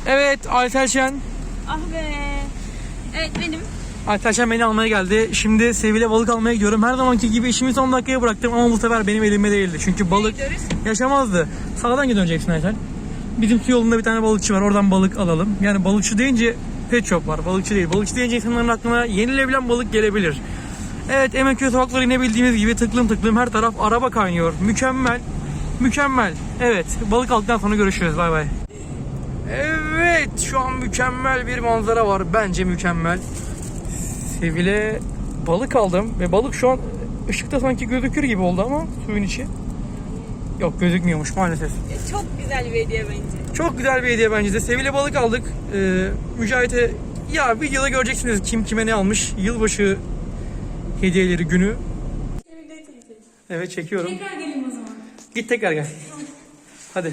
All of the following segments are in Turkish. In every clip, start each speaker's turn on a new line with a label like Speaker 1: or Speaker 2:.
Speaker 1: Evet, Aytel Şen.
Speaker 2: Ah be. Evet benim.
Speaker 1: Aytel Şen beni almaya geldi. Şimdi Sevil'e balık almaya gidiyorum. Her zamanki gibi işimi son dakikaya bıraktım ama bu sefer benim elimde değildi. Çünkü balık yaşamazdı. Sağdan döneceksin Aytel. Bizim su yolunda bir tane balıkçı var. Oradan balık alalım. Yani balıkçı deyince pet shop var. Balıkçı değil. Balıkçı deyince insanların aklına yenilebilen balık gelebilir. Evet, Emenköy sokakları yine bildiğimiz gibi tıklım tıklım her taraf araba kaynıyor. Mükemmel. Mükemmel. Evet, balık aldıktan sonra görüşürüz. Bay bay. Evet, şu an mükemmel bir manzara var. Bence mükemmel. Sevil'e balık aldım ve balık şu an ışıkta sanki gözükür gibi oldu ama suyun içi. Yok, gözükmüyormuş maalesef.
Speaker 2: Çok güzel bir hediye bence.
Speaker 1: Çok güzel bir hediye bence de. Sevil'e balık aldık. Mücahit'e ya videoda göreceksiniz kim kime ne almış. Yılbaşı hediyeleri günü. Evet, çekiyorum.
Speaker 2: Tekrar geleyim o zaman.
Speaker 1: Git tekrar gel. Hadi.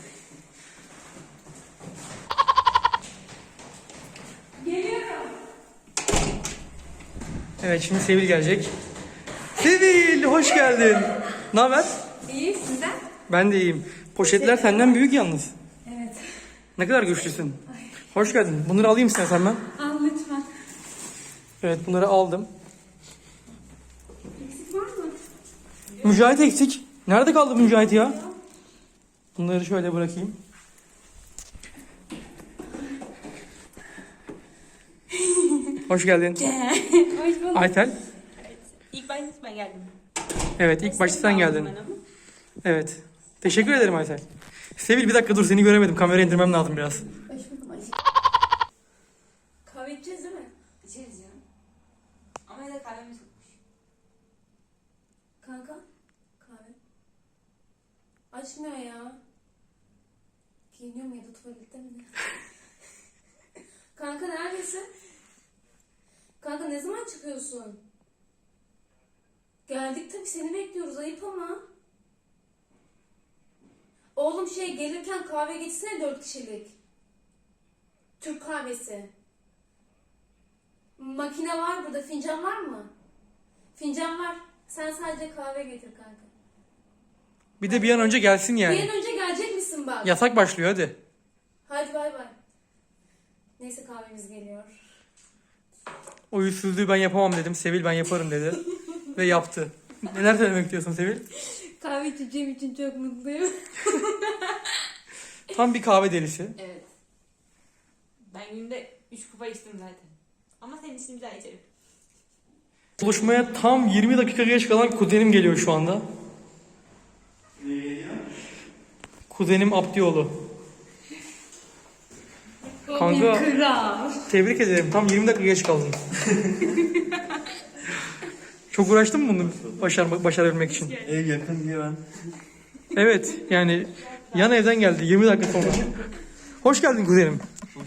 Speaker 2: Geliyorum.
Speaker 1: Evet, şimdi Sevil gelecek. Sevil, hoş geldin. Ne haber?
Speaker 2: İyi, sizden?
Speaker 1: Ben de iyiyim. Poşetler senden büyük yalnız.
Speaker 2: Evet.
Speaker 1: Ne kadar güçlüsün. Hoş geldin. Bunları alayım istersen ben.
Speaker 2: Al lütfen.
Speaker 1: Evet, bunları aldım.
Speaker 2: Eksik var mı?
Speaker 1: Mücahit eksik. Nerede kaldı bu Mücahit ya? Bunları şöyle bırakayım. Hoş geldin.
Speaker 2: Hoş bulduk.
Speaker 1: Aytel.
Speaker 2: İlk başta ben geldim.
Speaker 1: Evet, ilk başta sen geldin.
Speaker 2: Ben ama.
Speaker 1: Evet. Teşekkür ederim Aytel. Sevil, bir dakika dur, seni göremedim. Kamerayı indirmem lazım biraz.
Speaker 2: Hoş buldum Ayşe. Kahve içeceğiz değil mi? İçeriz ya. Ama ya da kahvemiz yokmuş. Kanka. Kahve. Açmıyor ya. Giyiniyor mu ya da tuvalette mi ne? Kanka neredesin? Kanka ne zaman çıkıyorsun? Geldik tabii, seni bekliyoruz, ayıp ama. Oğlum gelirken kahve getirsene 4 kişilik. Türk kahvesi. Makine var burada, fincan var mı? Fincan var. Sen sadece kahve getir kanka.
Speaker 1: Bir de bir an önce gelsin
Speaker 2: Bir
Speaker 1: yani.
Speaker 2: an önce gelecek misin bak?
Speaker 1: Yasak başlıyor, hadi.
Speaker 2: Hadi bay bay. Neyse kahvemiz geliyor.
Speaker 1: O yüzsüzlüğü ben yapamam dedim. Sevil ben yaparım dedi. Ve yaptı. Neler söylemek istiyorsun Sevil?
Speaker 2: Kahve içeceğim için çok mutluyum.
Speaker 1: Tam bir kahve delisi.
Speaker 3: Evet. Ben günde 3 kupa içtim zaten. Ama senin için bir daha içerim.
Speaker 1: Buluşmaya tam 20 dakika geç kalan kuzenim geliyor şu anda.
Speaker 4: Ne geliyor?
Speaker 1: Kuzenim Abdioğlu. Kanka,
Speaker 2: Kral.
Speaker 1: tebrik ederim. Tam 20 dakika geç kaldın. Çok uğraştın mı bunu başarabilmek için?
Speaker 4: Ev yakın diye ben.
Speaker 1: Evet, yani yan evden geldi 20 dakika sonra. Hoş geldin kuzenim.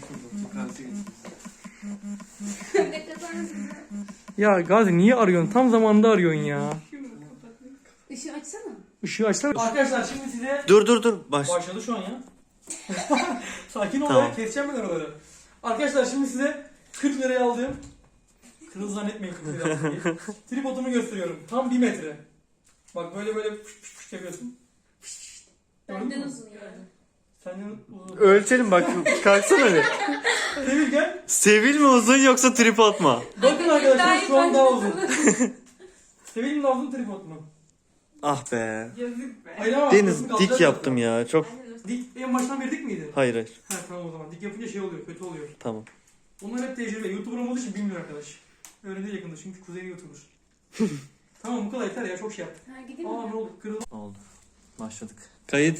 Speaker 1: Ya Gazi, niye arıyorsun? Tam zamanında arıyorsun ya.
Speaker 2: Işığı açsana.
Speaker 1: Işığı açsana. Arkadaşlar şimdi size...
Speaker 4: Dur.
Speaker 1: Başladı şu an ya. Sakin ol
Speaker 4: Tamam.
Speaker 1: ya, keseceğim ben oraları. Arkadaşlar şimdi size 40 liraya aldığım... Kırmızı zannetmeyin 40 liraya aldığım diye. Tripodumu gösteriyorum. Tam 1 metre. Bak böyle fış yapıyorsun.
Speaker 2: Benden uzun yani.
Speaker 1: Senden uzun.
Speaker 4: Ölçelim bak, kalksana bir.
Speaker 1: Sevil gel.
Speaker 4: Sevil mi uzun yoksa tripod mu?
Speaker 1: Bakın arkadaşlar, şu an daha uzun. Sevil'in daha uzun tripod mu?
Speaker 4: Ah be.
Speaker 3: Yazık be.
Speaker 1: Hayır ama
Speaker 4: Deniz
Speaker 1: aklımı
Speaker 4: dik
Speaker 1: kalacak
Speaker 4: yaptım ya, çok.
Speaker 1: Dik en baştan beri dik miydi?
Speaker 4: Hayır.
Speaker 1: Ha tamam, o zaman dik yapınca şey oluyor, kötü oluyor.
Speaker 4: Tamam.
Speaker 1: Onlar hep tecrübe. YouTuber olmadığı için bilmiyor arkadaş. Öyle değil yakında çünkü kuzeni YouTuber. Tamam, bu kadar yeter ya, çok şey yaptık.
Speaker 2: Ha gideyim
Speaker 1: Aa,
Speaker 2: mi?
Speaker 1: ne oldu? Kırıldı.
Speaker 4: Oldu. Başladık. Kayıt.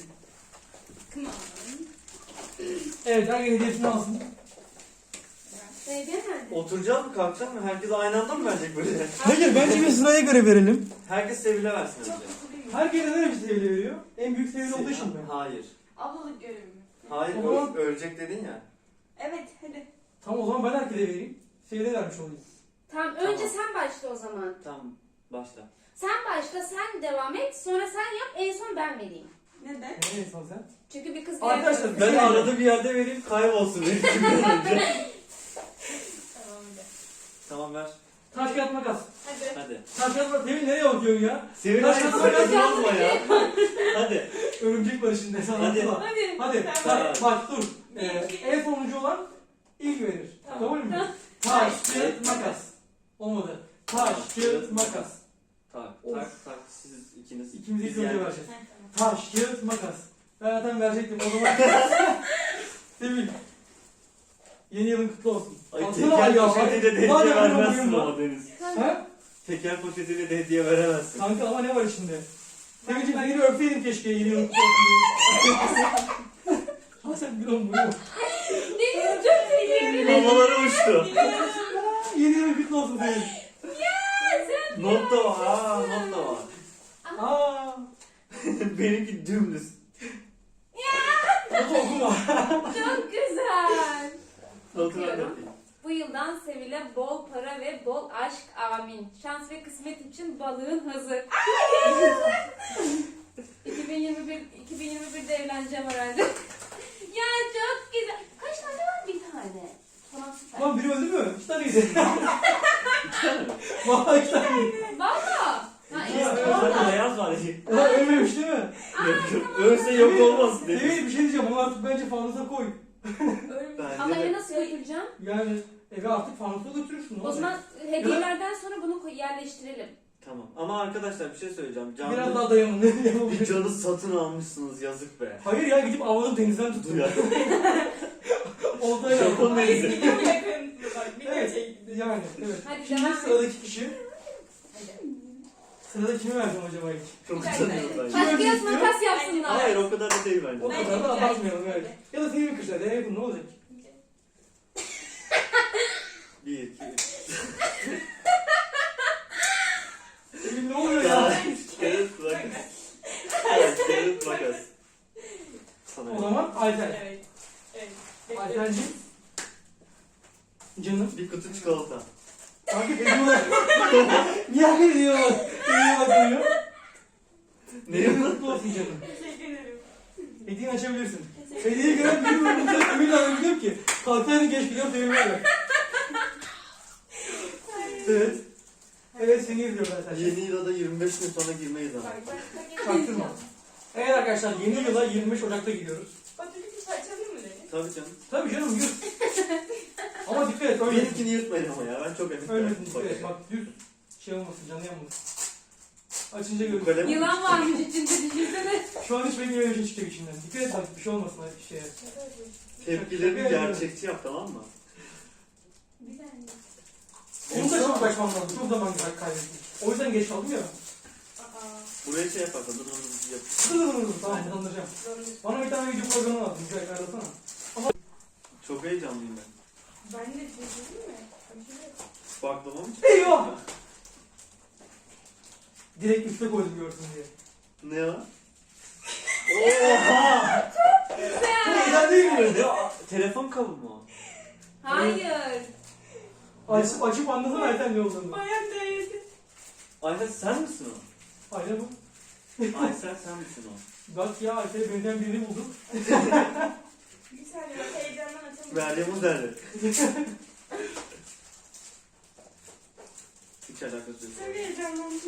Speaker 1: Evet, herkes hediyesini alsın.
Speaker 2: Hediye nerede?
Speaker 4: Oturacağız mı, kalkacağız mı? Herkes aynı anda mı verecek böyle?
Speaker 1: Hayır, bence bir sıraya göre verelim.
Speaker 4: Herkes Sevil'e versin önce.
Speaker 1: Herkese ne bir seviyeli veriyor? En büyük seviyeli olduğu için mi?
Speaker 4: Hayır.
Speaker 3: Ablalık görevimi.
Speaker 4: Hayır,
Speaker 1: O zaman-
Speaker 4: ölecek dedin ya.
Speaker 3: Evet hadi.
Speaker 1: Tamam, o zaman ben herkese vereyim. Seviyeli vermiş olayım.
Speaker 2: Tamam, önce sen başla o zaman.
Speaker 4: Tamam, başla.
Speaker 2: Sen başla, sen devam et. Sonra sen yap, en son ben vereyim.
Speaker 3: Neden?
Speaker 1: Ne insan sen?
Speaker 2: Çünkü bir kız
Speaker 1: Arkadaşlar,
Speaker 4: Ben arada bir yerde vereyim, kaybolsun.
Speaker 3: Tamam hadi.
Speaker 4: Tamam, ver.
Speaker 1: Taş kağıt makas.
Speaker 3: Hadi.
Speaker 4: Hadi.
Speaker 1: Taş kağıt makas. Sevil nereye bakıyorsun ya?
Speaker 4: Sevil
Speaker 1: Taş
Speaker 4: hadi
Speaker 1: kağıt
Speaker 4: sakın olma ya. Hadi.
Speaker 1: Örümcek var içinde. Sen
Speaker 4: Hadi.
Speaker 1: anlatma.
Speaker 3: Hadi.
Speaker 1: Hadi.
Speaker 3: Tamam.
Speaker 1: Bak dur.
Speaker 3: Bir, iki.
Speaker 1: En sonuncu olan ilk verir.
Speaker 3: Tamam.
Speaker 1: Kabul mü? Taş, kağıt, makas. Olmadı. Taş, kağıt, makas.
Speaker 4: Tak
Speaker 1: Of.
Speaker 4: tak tak siz ikiniz.
Speaker 1: İkimiz ilk
Speaker 4: Biz
Speaker 1: önce
Speaker 4: yendik.
Speaker 1: vereceğiz.
Speaker 3: Heh, tamam.
Speaker 1: Taş, kağıt, makas. Ben zaten verecektim o zaman. Sevil. Yeni yılın kutlu olsun.
Speaker 4: Ay
Speaker 1: Aslında
Speaker 4: teker
Speaker 1: ya,
Speaker 4: poşetiyle de
Speaker 1: var
Speaker 4: hediye
Speaker 1: ya,
Speaker 4: vermezsin
Speaker 1: var.
Speaker 4: ama Deniz.
Speaker 1: Ha?
Speaker 4: Teker poşetiyle de hediye veremezsin.
Speaker 1: Kanka ama ne var içinde? Sevil'cim ben yine öpseydim keşke yeni yılın kutlu olsun diye. Ha sen bir an boyu.
Speaker 3: Deniz çok seviyorum.
Speaker 4: Havalara uçtu.
Speaker 1: Yeni yılın kutlu olsun Sevil.
Speaker 4: Not da var. Aa, not da var.
Speaker 1: Aaa.
Speaker 4: Benimki dümdüz.
Speaker 1: Notu okuma.
Speaker 2: Çok güzel.
Speaker 4: Notunu
Speaker 2: Okuyorum.
Speaker 4: anlatayım.
Speaker 2: Bu yıldan Sevil'e bol para ve bol aşk amin. Şans ve kısmet için balığın hazır. 2021'de evleneceğim herhalde. Ya çok güzel. Kaç tane var? Bir tane. Tamam süper.
Speaker 1: Lan biri öldü mü? İki taneydi.
Speaker 4: İki tane mi?
Speaker 1: Valla iki tane.
Speaker 2: Valla. Ha,
Speaker 1: Ya,
Speaker 2: işte
Speaker 1: evet,
Speaker 2: orada.
Speaker 4: Zaten beyaz var.
Speaker 1: Ulan ölmemiş değil mi?
Speaker 4: Ölse yok olmaz. Deniz.
Speaker 1: Sevil bir şey diyeceğim onu artık bence fanusa koy.
Speaker 2: Ama
Speaker 4: Bence
Speaker 2: eve
Speaker 4: de.
Speaker 2: nasıl götüreceğim?
Speaker 1: Yani eve artık fanusa götürürsün.
Speaker 2: O zaman hediyelerden sonra bunu yerleştirelim.
Speaker 4: Tamam. Ama arkadaşlar bir şey söyleyeceğim.
Speaker 1: biraz
Speaker 4: Canlı
Speaker 1: daha dayanın. Ne
Speaker 4: bir
Speaker 1: yapabilirim?
Speaker 4: canı satın almışsınız yazık be.
Speaker 1: Hayır ya gidip avlanıp denizden tutun.
Speaker 4: Duyar.
Speaker 1: Oltayla.
Speaker 4: Şaka mı?
Speaker 3: Ay, videomu yakın. Bak video
Speaker 1: Evet.
Speaker 3: çekti.
Speaker 1: Yani evet.
Speaker 2: Hadi
Speaker 1: Şimdi
Speaker 2: devam et.
Speaker 1: sıradaki kişi.
Speaker 2: Hadi.
Speaker 1: Sırada kimi vereceğim acaba ilk?
Speaker 4: Çok
Speaker 3: Bir
Speaker 4: utanıyorum
Speaker 1: Kim
Speaker 4: bence.
Speaker 2: Taş
Speaker 1: önce
Speaker 2: kağıt
Speaker 1: istiyor?
Speaker 2: makas yapsınlar.
Speaker 4: Hayır o kadar da değil
Speaker 1: O
Speaker 4: bence.
Speaker 3: Ben-
Speaker 1: kadar da
Speaker 3: Bence
Speaker 1: abartmayalım
Speaker 3: güzel.
Speaker 1: evet. Ya da seni bir kışlar. En yakın ne olacak?
Speaker 4: 1, 2, 3.
Speaker 1: Sevil ne oluyor ya?
Speaker 4: Taş, kağıt, makas. Taş, kağıt, makas. Sana
Speaker 1: O zaman Ayten.
Speaker 3: Evet. Evet. Bekle.
Speaker 1: Aytenciğim. Canım.
Speaker 4: bir kutu çikolata.
Speaker 1: Takip ediyorlar. Niye hak ediyorlar? Ediyorlar diyor.
Speaker 4: Ne
Speaker 1: Yeni
Speaker 4: yapın?
Speaker 1: mutlu olsun canım.
Speaker 3: Teşekkür ederim.
Speaker 1: Hediyeni açabilirsin. Hediyeyi gören bir bölümde Sevil'le öldüm ki. Kalksaydın geç gidiyorum Sevil'e ver. Evet. Evet seni izliyorum ben sen.
Speaker 4: Yeni yıla da 25 gün sonra girmeyiz ama.
Speaker 3: Bak bak.
Speaker 1: Çaktırma. Evet arkadaşlar yeni yıla 25 Ocak'ta gidiyoruz.
Speaker 3: Patates parçalayayım mı Deniz?
Speaker 4: Tabii canım.
Speaker 1: Tabii canım yürü. Ama dikkat et öyle.
Speaker 4: Benimkini yırtmayın ama ya ben çok emin.
Speaker 1: Öylesin dikkat et. Bak düz şey olmasın canı yanmasın. Açınca
Speaker 4: Bu
Speaker 1: görürsün.
Speaker 4: kalem
Speaker 2: Yılan varmış içinde düşünsene.
Speaker 1: Şu an hiç benim öyle bir şey çıkacak içinden. Dikkat et bak bir şey olmasın hadi şeye.
Speaker 4: tepkilerini gerçekçi yap tamam mı?
Speaker 3: Bir saniye.
Speaker 1: Onu da çok kaçmam lazım. Çok zaman kaybettim. O yüzden geç kaldım ya.
Speaker 3: Aa.
Speaker 4: Buraya şey yaparsan dur yap.
Speaker 1: Tamam anlayacağım.
Speaker 3: Zorlu.
Speaker 1: Bana bir tane video programı lazım. Güzel arasana.
Speaker 4: Çok heyecanlıyım ben.
Speaker 3: Ben de çekeyim mi? Aşırı.
Speaker 4: Baklava mı?
Speaker 1: Eyvah! Direkt üste koydum görsün diye.
Speaker 4: Ne o? Oha!
Speaker 1: Çok güzel değil mi?
Speaker 4: Ne o? Telefon kabı mı o?
Speaker 2: Hayır.
Speaker 1: Açıp anlasana Ayten ne olduğunu.
Speaker 3: Bayan değildi.
Speaker 4: Ayten sen misin o?
Speaker 1: Aynen bu.
Speaker 4: Aysel sen misin o?
Speaker 1: Bak ya Ayten'e benzeyen birini bulduk.
Speaker 3: Bir saniye bak heyecandan açamadım.
Speaker 4: Meryem Uzerli. Hiç alakası yok.
Speaker 3: Çok heyecanlandım.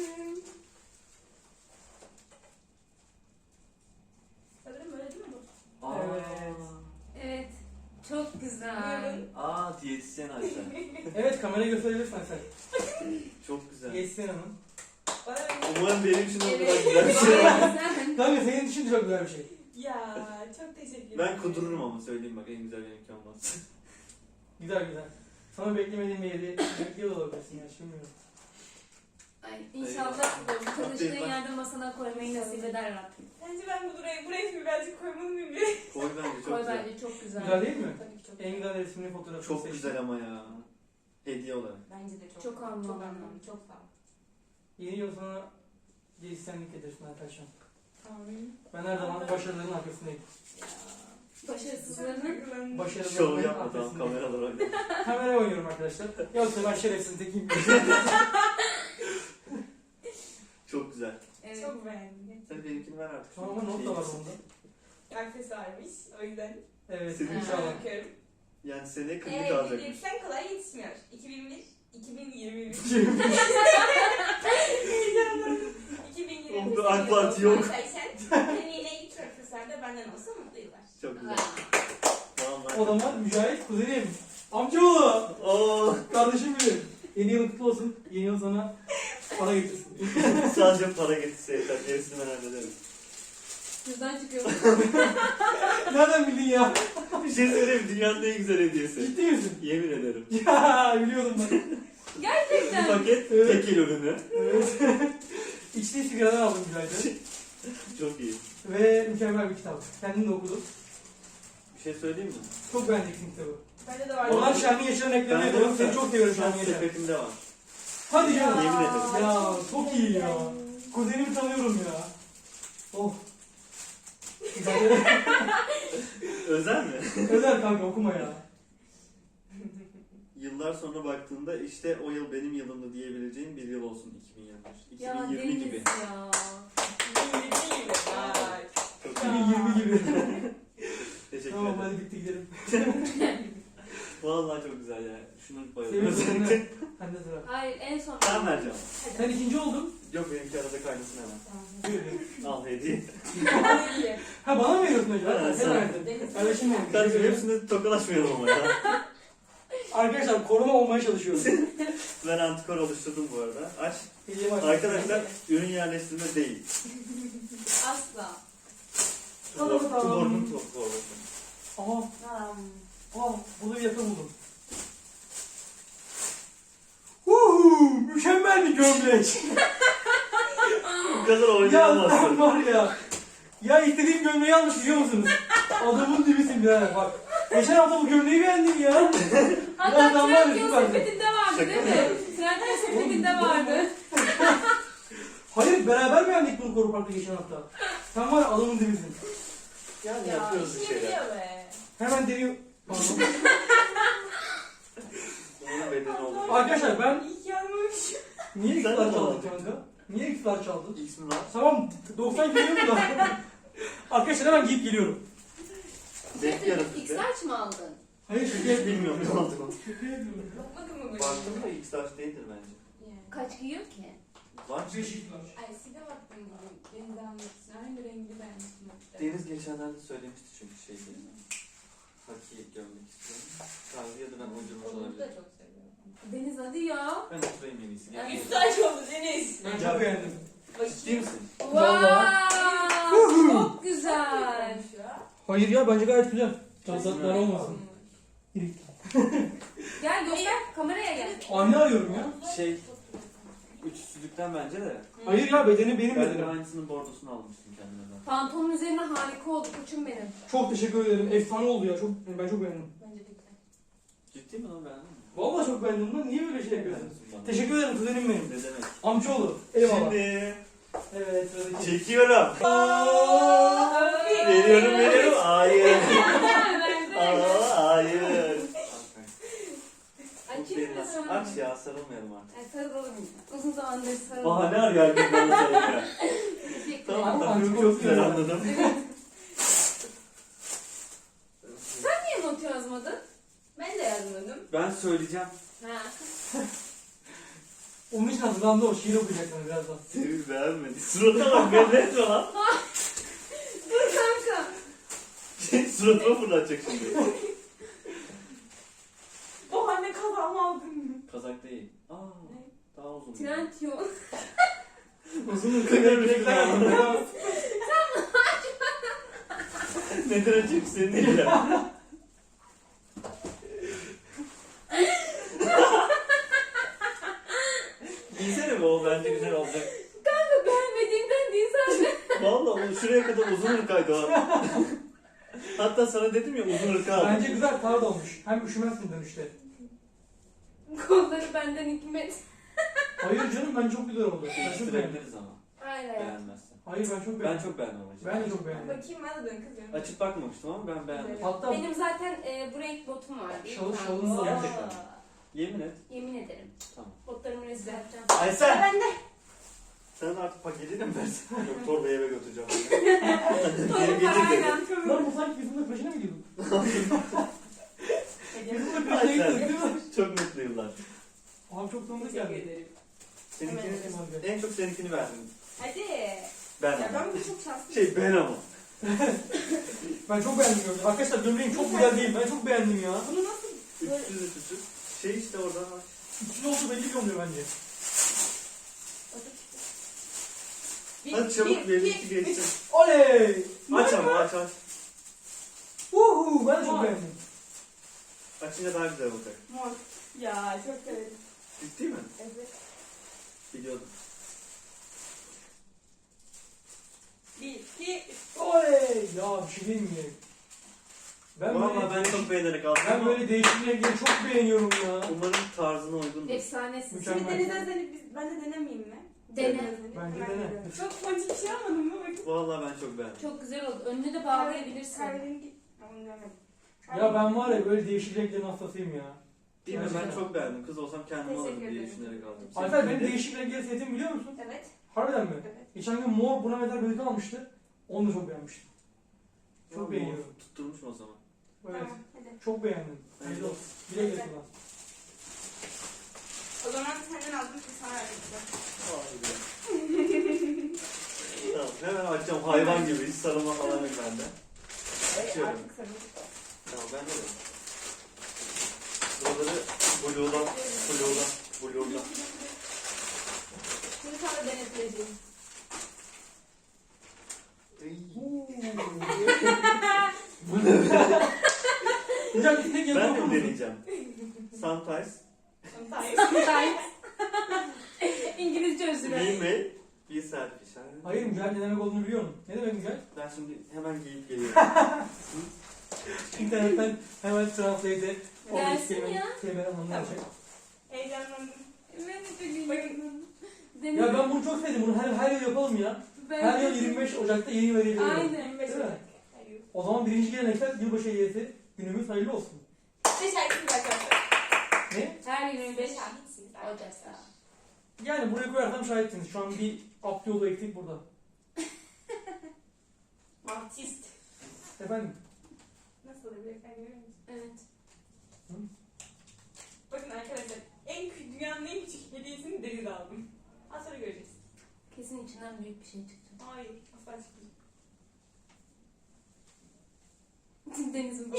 Speaker 3: Sanırım böyle değil mi bu?
Speaker 4: Aa.
Speaker 1: Evet.
Speaker 2: Evet. Çok güzel.
Speaker 3: Buyurun.
Speaker 4: Aa diyetisyen Aysel.
Speaker 1: Evet kamera gösterebilirsin sen.
Speaker 4: Çok güzel.
Speaker 1: Geçsin hemen.
Speaker 3: Bana
Speaker 4: Umarım benim için o kadar
Speaker 2: Evet.
Speaker 4: güzel bir şey var.
Speaker 2: Sen.
Speaker 1: Kanka senin için çok güzel bir şey.
Speaker 3: Ya çok teşekkür ederim.
Speaker 4: Ben kudururum ama söyleyeyim bak en güzel benimki olmaz.
Speaker 1: Güzel güzel. Sana beklemediğim bir hediye bekliyor da olabilirsin ya bilmiyorum.
Speaker 2: Ay, İnşallah bu çalıştığın yerde masana koymayı nasip eder Rabbim.
Speaker 3: Bence ben buraya birazcık koymalı mıyım bir?
Speaker 4: Koy bence çok
Speaker 2: Koy
Speaker 4: güzel.
Speaker 2: bence çok güzel.
Speaker 1: Güzel değil mi?
Speaker 3: Tabii ki çok.
Speaker 1: En güzel resmini fotoğrafını
Speaker 4: Çok
Speaker 1: seçtim.
Speaker 4: güzel ama ya. Hediye olarak.
Speaker 3: Bence de çok.
Speaker 2: Çok anlamlı.
Speaker 3: Çok anlamlı. Çok sağ ol.
Speaker 1: Yeni yıl sana diyetisyenlik edersin arkadaşlar.
Speaker 3: Tamam.
Speaker 1: Ben her zaman başarıların arkasındayım.
Speaker 2: Başarısızlarının
Speaker 1: Başarıların
Speaker 4: Şov yapma tamam
Speaker 1: arkasındayım.
Speaker 4: kameralar oynuyor.
Speaker 1: Kameraya oynuyorum arkadaşlar. Yoksa ben şerefsiz tekiyim.
Speaker 4: Çok güzel.
Speaker 2: evet.
Speaker 3: Çok beğendim.
Speaker 4: Sen benimkini ver artık.
Speaker 1: Tamam ama not da var onda.
Speaker 3: Aksesuarmış. O yüzden.
Speaker 1: Evet
Speaker 4: Senin
Speaker 1: inşallah.
Speaker 3: Bakıyorum.
Speaker 4: Yani seneye klinik
Speaker 3: Evet,
Speaker 4: alacakmış.
Speaker 3: diyetisyen kolay yetişmiyor. 2001 2023. 2023.
Speaker 4: Oğlum, AK Parti yok.
Speaker 3: Senin yine ilk profesörde benden olsa mutlu yıllar.
Speaker 4: Çok güzel. Vallahi.
Speaker 1: O zaman Mücahit kuzenim. Amcaoğlu.
Speaker 4: Oo,
Speaker 1: Kardeşim benim. Yeni yılın kutlu olsun. Yeni yıl sana para getirsin.
Speaker 4: sadece para getirse yeter. Gerisini ben hallederim.
Speaker 2: Cüzdan çıkıyor.
Speaker 1: Nereden bildin ya?
Speaker 4: Bir şey söyleyeyim. Dünyanın en güzel hediyesi.
Speaker 1: Ciddi misin?
Speaker 4: Yemin ederim.
Speaker 1: Ya biliyordum ben.
Speaker 4: Bir
Speaker 2: Gerçekten.
Speaker 4: paket
Speaker 1: Evet.
Speaker 4: tekil ürünü.
Speaker 1: Evet. İçtiği sigaradan aldım Mücahit'e.
Speaker 4: Çok iyi.
Speaker 1: Ve mükemmel bir kitap. Kendim de okudum.
Speaker 4: Bir şey söyleyeyim mi?
Speaker 1: Çok beğeneceksin kitabı.
Speaker 3: Bende de var.
Speaker 1: Oradan Şermin Yaşar'ın eklerini yapıyorum. Seni çok seviyorum
Speaker 4: Şu an
Speaker 1: Şermin Yaşar.
Speaker 4: sepetimde var.
Speaker 1: Hadi canım.
Speaker 4: Yemin ederim.
Speaker 1: Ya çok iyi ya. Kuzenimi tanıyorum ya. Oh.
Speaker 4: Özel mi?
Speaker 1: Özel kanka okuma ya.
Speaker 4: Yıllar sonra baktığında işte o yıl benim yılımdı diyebileceğim bir yıl olsun 2021.
Speaker 2: Ya
Speaker 4: 2020
Speaker 2: Deniz
Speaker 4: gibi.
Speaker 2: ya.
Speaker 3: 2020 gibi. Vay.
Speaker 4: Çok
Speaker 1: 2020 gibi.
Speaker 4: teşekkür
Speaker 1: Tamam
Speaker 4: ederim.
Speaker 1: hadi bitti gidelim.
Speaker 4: Vallahi çok güzel ya. Şunu
Speaker 1: Seviyorum
Speaker 4: bayılıyorum.
Speaker 1: seni. Sen de sıra.
Speaker 2: Hayır en son.
Speaker 4: Ben vereceğim.
Speaker 1: Sen ikinci oldun.
Speaker 4: Yok benimki arada kaynasın hemen.
Speaker 1: Buyur.
Speaker 4: Al hediye.
Speaker 3: Hayır.
Speaker 1: Ha bana mı veriyorsun acaba?
Speaker 4: Evet,
Speaker 1: Sen
Speaker 4: sana.
Speaker 1: verdin.
Speaker 3: Deniz.
Speaker 1: Kardeşim benim.
Speaker 4: Kardeşim hepsinde tokalaşmayalım ama ya.
Speaker 1: Arkadaşlar korona olmaya çalışıyoruz.
Speaker 4: Ben antikor oluşturdum bu arada. Aç.
Speaker 1: Hediyemi aç.
Speaker 4: Arkadaşlar ürün yerleştirme değil.
Speaker 2: Asla.
Speaker 1: Tamam, tamam.
Speaker 4: Tuborg'un torbası.
Speaker 1: Aa, bunu bir yakın buldum. Mükemmel bir gömlek.
Speaker 4: Bu kadar
Speaker 1: Ya
Speaker 4: oynayamazsın.
Speaker 1: sen var ya. Ya istediğim gömleği almış biliyor musunuz? Adamın dibisin birader bak. Geçen hafta bu gömleği beğendim ya.
Speaker 2: Hatta
Speaker 1: Birazdan var ya,
Speaker 2: Trendyol
Speaker 1: süpersin.
Speaker 2: sepetinde vardı
Speaker 4: Şaka
Speaker 2: değil
Speaker 4: mı
Speaker 2: mi?
Speaker 4: yapıyorsun?
Speaker 2: Trendyol sepetinde vardı.
Speaker 1: Hayır beraber beğendik bunu Koru Park'ta geçen hafta. Sen var ya adamın dibisin.
Speaker 4: Yani
Speaker 3: Ya
Speaker 4: yapıyoruz bir
Speaker 3: işini
Speaker 4: şeyler.
Speaker 3: biliyor be.
Speaker 1: Hemen deniyor. Pardon.
Speaker 4: Onun bedeni oluyor.
Speaker 1: Arkadaşlar ben
Speaker 3: İyi ki yanmamış.
Speaker 1: niye
Speaker 4: Sen
Speaker 1: X'lar
Speaker 4: de
Speaker 1: çaldın
Speaker 4: mi
Speaker 1: kanka? Niye X'lar çaldın?
Speaker 4: X mi var?
Speaker 1: Tamam 90 geliyor mu da? Arkadaşlar hemen giyip geliyorum.
Speaker 4: Bekliyorum sizi.
Speaker 2: X-Large mı aldın?
Speaker 1: Hayır şaka
Speaker 4: Hiç
Speaker 1: yapıyorum.
Speaker 4: bilmiyorum ne oldu.
Speaker 1: Şaka yapıyorum.
Speaker 3: Bakmadın mı böyle?
Speaker 4: Baktım da X large değildir bence.
Speaker 2: Kaç giyiyor ki?
Speaker 4: Var.
Speaker 1: 5 X'lar.
Speaker 3: Ay size baktım bugün. Deniz almışsın. Aynı rengi beğenmiştim. hatta.
Speaker 4: Deniz geçenlerde söylemişti çünkü şey diye. Haki görmek istiyorum. Tarzı ya da ben uydurmuş
Speaker 3: Onu da
Speaker 4: olabilirim.
Speaker 3: çok seviyorum.
Speaker 2: Deniz hadi ya.
Speaker 4: Ben oturayım en iyisi. Gel.
Speaker 3: Üstaç oldu Deniz.
Speaker 1: Ben çok beğendim.
Speaker 4: Ciddi misin?
Speaker 1: Vallahi.
Speaker 2: Wow, çok güzel.
Speaker 1: Hayır ya bence gayet güzel.
Speaker 4: Kesin
Speaker 1: Tazatlar
Speaker 4: öyle.
Speaker 1: olmasın.
Speaker 2: Gel göster kameraya gel.
Speaker 1: Anne arıyorum ya.
Speaker 4: Şey, üçsüzlükten bence de.
Speaker 1: Hayır ya bedeni benim
Speaker 4: Ben de
Speaker 1: bedenim.
Speaker 4: aynısının bordosunu almıştım kendime ben.
Speaker 2: Pantolonun üzerine harika oldu koçum benim.
Speaker 1: Çok teşekkür ederim. Efsane oldu ya. Çok ben çok beğendim.
Speaker 3: Bence de güzel.
Speaker 4: Ciddi mi lan beğendin mi?
Speaker 1: Vallahi çok beğendim lan. Niye böyle şey yapıyorsun?
Speaker 4: Beğenmişsin bana.
Speaker 1: Teşekkür ederim kuzenim benim.
Speaker 4: Ne demek?
Speaker 1: Amcaoğlu. Eyvallah.
Speaker 4: Şimdi
Speaker 1: Evet sıradaki.
Speaker 4: çekiyorum.
Speaker 3: Abi.
Speaker 4: Veriyorum. Hayır.
Speaker 2: Verdi.
Speaker 4: Hayır.
Speaker 2: Açayım mı sana?
Speaker 4: Aç ya sarılmayalım artık.
Speaker 2: Ay, sarılalım ya. Uzun zamandır sarılalım.
Speaker 4: Bahane arıyor herkes bana sarılmaya.
Speaker 2: Teşekkür
Speaker 4: Tamam
Speaker 2: ederim.
Speaker 1: Ama
Speaker 4: çok
Speaker 1: çok
Speaker 4: güzel
Speaker 1: güzel.
Speaker 4: anladım.
Speaker 2: Sen niye not yazmadın?
Speaker 3: Ben de yazmadım.
Speaker 4: Ben söyleyeceğim.
Speaker 2: Ha.
Speaker 1: Onun için hazırlandı o. Şiir okuyacak sana birazdan.
Speaker 4: Seni beğenmedi. Suratına bak ben ne etme lan.
Speaker 2: Dur kanka.
Speaker 4: Suratıma fırlatacak şimdi.
Speaker 3: O anne kazağımı aldın.
Speaker 4: Kazak değil. Aa, daha uzun.
Speaker 2: Trendyol.
Speaker 1: Uzun
Speaker 4: Kıvırmışlar.
Speaker 1: ırklar.
Speaker 4: Neden açayım senin değil ya. Giysene be o bence güzel olacak.
Speaker 2: Kanka beğenmediğimden değil zaten.
Speaker 4: Vallahi o şuraya kadar uzun ırkaydı o. Hatta sana dedim ya uzun ırka al.
Speaker 1: Bence güzel tarz olmuş. Hem üşümezsin dönüşte.
Speaker 2: Kolları benden hikmet.
Speaker 1: Hayır canım ben çok güzel oldu. Ben çok beğendim.
Speaker 4: Değiştirebiliriz ama
Speaker 2: Aynen.
Speaker 4: beğenmezsen.
Speaker 1: Hayır ben çok
Speaker 4: Ben
Speaker 1: beğendim.
Speaker 4: çok beğendim ama.
Speaker 1: Ben de çok beğendim.
Speaker 3: Bakayım bana dön kızım.
Speaker 4: Açıp bakmamıştım ama ben beğendim.
Speaker 1: Hatta
Speaker 2: Benim zaten bu renk botum var. değil mi?
Speaker 1: Şalın da var.
Speaker 4: Gerçekten. Yemin et.
Speaker 2: Yemin ederim.
Speaker 4: Tamam.
Speaker 2: Botlarımı resim yapacağım.
Speaker 4: Aysel!
Speaker 3: Ben de.
Speaker 4: Sen artık paketini mi versin? Yok torbayı eve götüreceğim.
Speaker 3: Sonra
Speaker 4: Geri getir dedi.
Speaker 3: parayla.
Speaker 1: lan bu sanki biz bunun peşine mi gidiyorduk? Biz bunun peşine
Speaker 4: Aysel.
Speaker 1: gidiyorduk değil mi?
Speaker 4: Çok mutlu yıllar.
Speaker 1: Abi çok tanıdık
Speaker 3: Teşekkür
Speaker 1: geldi.
Speaker 3: ederim.
Speaker 4: Seninkini,
Speaker 1: Hemen.
Speaker 4: en çok seninkini verdim.
Speaker 3: Hadi.
Speaker 4: Ben
Speaker 3: Ya
Speaker 4: ama.
Speaker 3: ben bu çok şanslıyım.
Speaker 4: Ben ama.
Speaker 1: Ben çok beğendim gömleği. Arkadaşlar gömleğim çok güzel değil. Ben çok beğendim ya.
Speaker 3: Bunu nasıl?
Speaker 4: Üstsüz. Şey işte oradan aç.
Speaker 1: İçinde olsa belli bir oluyor bence.
Speaker 4: Hadi çabuk benimki geçsin.
Speaker 1: Oley!
Speaker 4: Aç ama aç.
Speaker 1: Uhu, ben de çok
Speaker 3: Mor.
Speaker 1: beğendim.
Speaker 4: Açınca daha güzel olacak.
Speaker 3: Mor. Ya çok severim.
Speaker 4: Ciddi mi?
Speaker 3: Evet.
Speaker 4: Biliyordum.
Speaker 3: 1, 2, 3.
Speaker 1: Oley! Ya bir şey diyeyim mi?
Speaker 4: Valla ben çok beğenerek aldım.
Speaker 1: Ben
Speaker 4: ama
Speaker 1: böyle değişik renkleri çok beğeniyorum ya.
Speaker 4: Umarım tarzına uygundur.
Speaker 2: Efsanesin.
Speaker 1: Mükemmel.
Speaker 3: Şimdi denizden seni ben de denemeyeyim mi?
Speaker 2: Dene.
Speaker 1: Bence
Speaker 3: Hemen
Speaker 1: dene.
Speaker 3: deniyorum. Çok ponçik bir şey almadın mı? Bakın.
Speaker 4: Valla ben çok beğendim.
Speaker 2: Çok güzel oldu. Önünü de bağlayabilirsin.
Speaker 3: Kahverengi. Onu görmedim.
Speaker 1: Ya ben var ya böyle değişik renklerin hastasıyım ya.
Speaker 4: Değil mi? Ben
Speaker 1: Gerçekten.
Speaker 4: çok beğendim. Kız olsam kendim alırım
Speaker 3: Teşekkür
Speaker 4: diye
Speaker 3: ederim.
Speaker 4: düşünerek aldım.
Speaker 1: Alper benim
Speaker 4: Seninkini de-
Speaker 1: değişik renkleri sevdiğimi biliyor musun?
Speaker 3: Evet.
Speaker 1: Harbiden mi?
Speaker 3: Evet.
Speaker 1: Geçen gün mor buna benzer bir almıştı. Onu da çok beğenmiştim. Çok
Speaker 4: Valla
Speaker 1: beğeniyorum.
Speaker 4: Tutturmuşum o zaman.
Speaker 1: Evet.
Speaker 3: Tamam. Hadi.
Speaker 1: Çok beğendim. Hayırlı olsun. Güle güle kullan.
Speaker 3: O zaman senden aldım ki sana verdim.
Speaker 4: Tamam hemen açacağım hayvan gibi. Hiç sarılma falan yok bende. Açıyorum.
Speaker 3: Artık sarıldık.
Speaker 4: Tamam ben de. Buraları blue'dan.
Speaker 3: Şimdi sana denetleyeceğim.
Speaker 1: Bu ne? Hocam bir tek
Speaker 4: Ben
Speaker 1: yazı
Speaker 4: de
Speaker 1: okur musun?
Speaker 4: deneyeceğim. Sometimes
Speaker 3: Sometimes.
Speaker 2: İngilizce özür
Speaker 4: we
Speaker 2: dilerim.
Speaker 4: may be selfish.
Speaker 1: Hayır mücadele ne demek olduğunu biliyorum. Ne demek mücadele?
Speaker 4: Ben şimdi hemen giyip geliyorum.
Speaker 1: İnternetten hemen translate'e
Speaker 2: Gelsin ya.
Speaker 1: kelimeler anlamlayacak.
Speaker 3: Heyecanlandım.
Speaker 2: Ben de çok heyecanlandım.
Speaker 1: Ya ben bunu çok sevdim. Bunu her yıl yapalım ya.
Speaker 2: Ben
Speaker 1: Her
Speaker 2: de-
Speaker 1: yıl 25 Ocak'ta yeni verelim.
Speaker 2: Aynen.
Speaker 3: 25
Speaker 1: Değil mi?
Speaker 3: Ocak. Hayır.
Speaker 1: O zaman birinci gelenekler yılbaşı hediyesi günümüz hayırlı olsun.
Speaker 3: Size şarkısını arkadaşlar.
Speaker 1: Ne?
Speaker 2: Her gün 25
Speaker 3: Şahitsiniz
Speaker 2: Ocak'ta.
Speaker 1: Yani buraya koyarsam şahitsiniz. Şu an bir abdi yolu eksik burada.
Speaker 3: Artist.
Speaker 1: Efendim?
Speaker 3: Nasıl olabilir? Sen görüyor musun?
Speaker 2: Evet.
Speaker 3: Bakın arkadaşlar dünyanın en küçük hediyesini Deniz aldım. Az sonra göreceğiz.
Speaker 2: Kesin içinden büyük bir şey çıktı.
Speaker 3: Hayır asla çıkmayacak.
Speaker 2: Deniz'in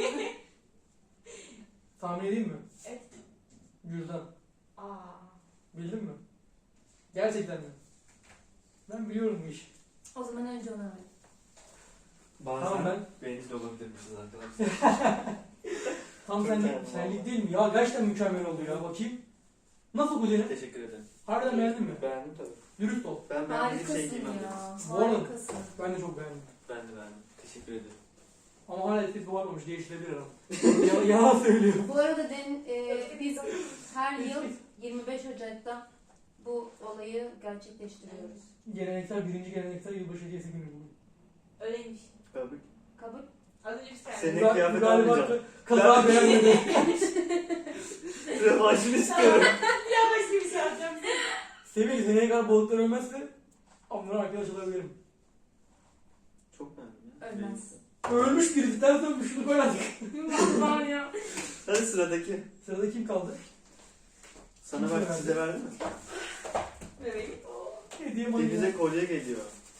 Speaker 1: Tahmin edeyim mi?
Speaker 3: Evet.
Speaker 1: Cüzdan.
Speaker 3: Aa.
Speaker 1: Bildin mi? Gerçekten mi? Ben biliyorum bu işi.
Speaker 2: O zaman önce ona ver.
Speaker 4: Bazen
Speaker 1: Tamam,
Speaker 4: beğenip de olabilirmişiz arkadaşlar.
Speaker 1: Tam
Speaker 4: Çok
Speaker 1: senlik,
Speaker 4: beğendim
Speaker 1: senlik
Speaker 4: valla.
Speaker 1: değil mi? Ya gerçekten mükemmel oldu ya. Bakayım. Nasıl bu senin?
Speaker 4: Teşekkür ederim.
Speaker 1: Harbiden beğendin mi?
Speaker 4: Beğendim tabii.
Speaker 1: Dürüst ol.
Speaker 4: Ben bir şey
Speaker 2: Harikasın
Speaker 4: giymem.
Speaker 2: ya.
Speaker 1: Bu arada-
Speaker 2: Harikasın.
Speaker 1: Ben de çok beğendim.
Speaker 4: Ben de beğendim. Teşekkür ederim.
Speaker 1: Ama hala etkisi varmamış. Değiştirebilir ama. Yalan söylüyorum.
Speaker 2: Bu arada biz her yıl 25 Ocak'ta bu olayı gerçekleştiriyoruz.
Speaker 1: Geleneksel, birinci geleneksel yılbaşı hediyesi günü bu.
Speaker 3: Öyleymiş.
Speaker 4: Tabii.
Speaker 2: Kabul.
Speaker 3: Az önce bir saniye.
Speaker 4: Senin
Speaker 1: Galiba
Speaker 4: kıyafet almayacağım.
Speaker 1: Kaza beğenmedi.
Speaker 4: Revanşını istiyorum.
Speaker 3: Ya başka bir şey alacağım.
Speaker 1: Sevil seneye kadar balıklar ölmezse onlara arkadaş olabilirim.
Speaker 4: Çok beğendim ya.
Speaker 2: Ölmez.
Speaker 1: Ölmüş birisi ters dönmüş şunu koy artık.
Speaker 3: Var ya.
Speaker 4: Hadi sıradaki.
Speaker 1: Sırada kim kaldı?
Speaker 4: Sana
Speaker 1: Kim
Speaker 4: bak
Speaker 1: verdi?
Speaker 4: size verdi mi?
Speaker 3: Bebeğim.
Speaker 1: Hediye manyağı.
Speaker 4: Denize kolye geliyor.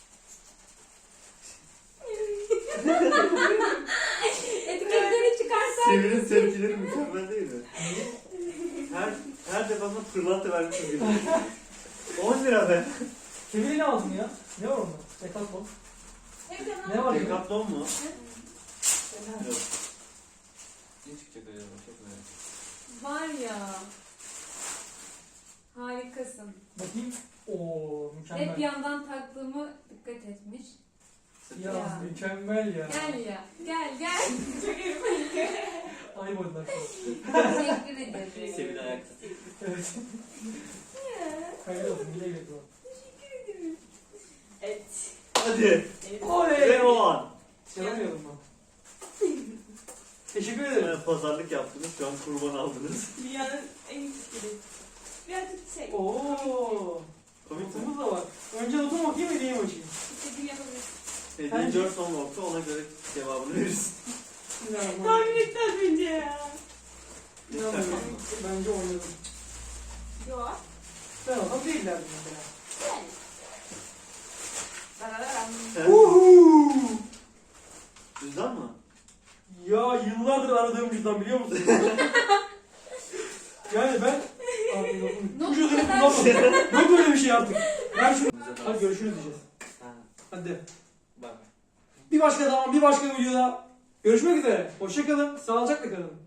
Speaker 2: Etiketleri çıkarsan.
Speaker 4: Sevil'in tepkileri mükemmel değil mi? Her defasında pırlanta vermişim gibi. 10 lira be.
Speaker 1: Sevil'e ne aldın ya? Ne var onda? Decathlon. Ne var ya?
Speaker 4: Decathlon mu? Yok. Ne çıkacak acaba? Çok merak ettim.
Speaker 2: Var ya. Harikasın.
Speaker 1: Bakayım. Oo mükemmel.
Speaker 2: Hep yandan taktığımı dikkat etmiş.
Speaker 1: Ya
Speaker 2: Ya.
Speaker 1: mükemmel ya.
Speaker 2: Gel ya. Gel.
Speaker 3: Çok iyi.
Speaker 1: Aynı boyutlar falan.
Speaker 2: Teşekkür ederim.
Speaker 4: Sevil ayakta.
Speaker 1: Evet. Hayırlı olsun. Güle güle kullan.
Speaker 3: Evet.
Speaker 4: Hadi.
Speaker 1: Oley!
Speaker 4: Ve o an.
Speaker 1: Yalamıyorum ben. Teşekkür ederim.
Speaker 4: Pazarlık yaptınız. Şu an kurban aldınız.
Speaker 3: Dünyanın en küçük hediyesi. Birazcık şey.
Speaker 1: Oo.
Speaker 4: Komik mi?
Speaker 1: Notumuz da var. Önce notumu okuyayım hediyemi açayım.
Speaker 3: İstediğini yapabilirsin.
Speaker 4: Hediye gör son nokta ona göre cevabını verirsin.
Speaker 3: Tahmin etti az önce ya.
Speaker 1: İnanmıyorum. Bence oynadım.
Speaker 3: Yok.
Speaker 1: Ben olsam değillerdim mesela.
Speaker 3: Yani. Darararam.
Speaker 4: Sen
Speaker 1: Uhu!
Speaker 4: cüzdan mı?
Speaker 1: Ya yıllardır aradığım cüzdan biliyor musun? Yani ben bu cüzdanı kullanmadım. Yok böyle bir şey artık. Ver şunu. Hadi görüşürüz diyeceğiz.
Speaker 4: Ha,
Speaker 1: Hadi.
Speaker 4: bak.
Speaker 1: Bir başka zaman bir başka videoda görüşmek üzere. Hoşça kalın. Sağlıcakla kalın.